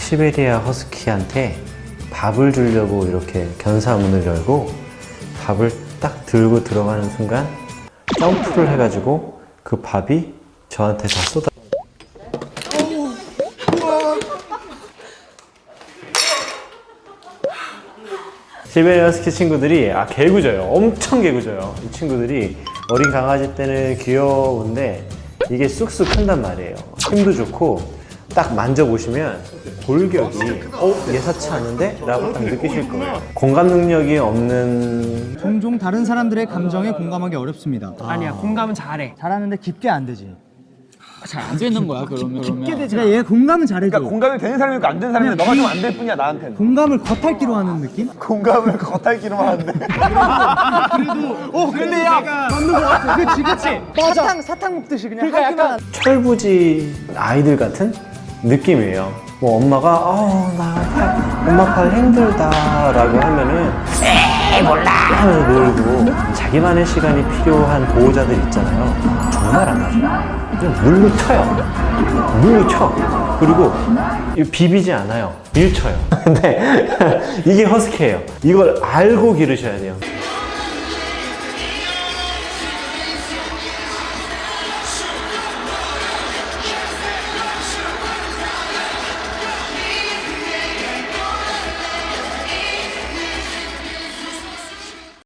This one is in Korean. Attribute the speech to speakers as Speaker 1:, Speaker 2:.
Speaker 1: 시베리아 허스키한테 밥을 주려고 이렇게 견사문을 열고 밥을 딱 들고 들어가는 순간 점프를 해가지고 그 밥이 저한테 다 쏟아. 시베리아 허스키 친구들이 개구져요. 엄청 개구져요. 이 친구들이 어린 강아지 때는 귀여운데 이게 쑥쑥 큰단 말이에요. 힘도 좋고 딱 만져보시면 골격이 예사치 않은데? 라고 딱 느끼실 거예요. 공감 능력이 없는
Speaker 2: 종종 다른 사람들의 감정에 공감하기 어렵습니다.
Speaker 3: 아니야, 공감은 잘해.
Speaker 2: 잘하는데 깊게 안 되지.
Speaker 4: 잘 안 되는 거야 그러면.
Speaker 2: 깊게 되지. 얘 공감은 잘해줘.
Speaker 5: 그러니까 공감이 되는 사람이 있고 안 되는 사람인데 너가 좀 안 될 뿐이야 나한테는.
Speaker 2: 공감을 겉핥기로 하는 느낌?
Speaker 5: 공감을 겉핥기로만 하는데.
Speaker 2: 근데 야 맞는 거 같아. 그치. 맞아. 사탕 먹듯이 그냥
Speaker 3: 그러니까
Speaker 2: 하기만.
Speaker 1: 철부지 아이들 같은 느낌이에요. 뭐 엄마가 엄마 팔 힘들다 라고 하면은 몰라 하면서 놀고 자기만의 시간이 필요한 보호자들 있잖아요. 정말 안 맞아요. 그냥 물로 쳐요. 물로 쳐. 그리고 비비지 않아요. 밀쳐요. 근데 이게 허스키예요. 이걸 알고 기르셔야 돼요.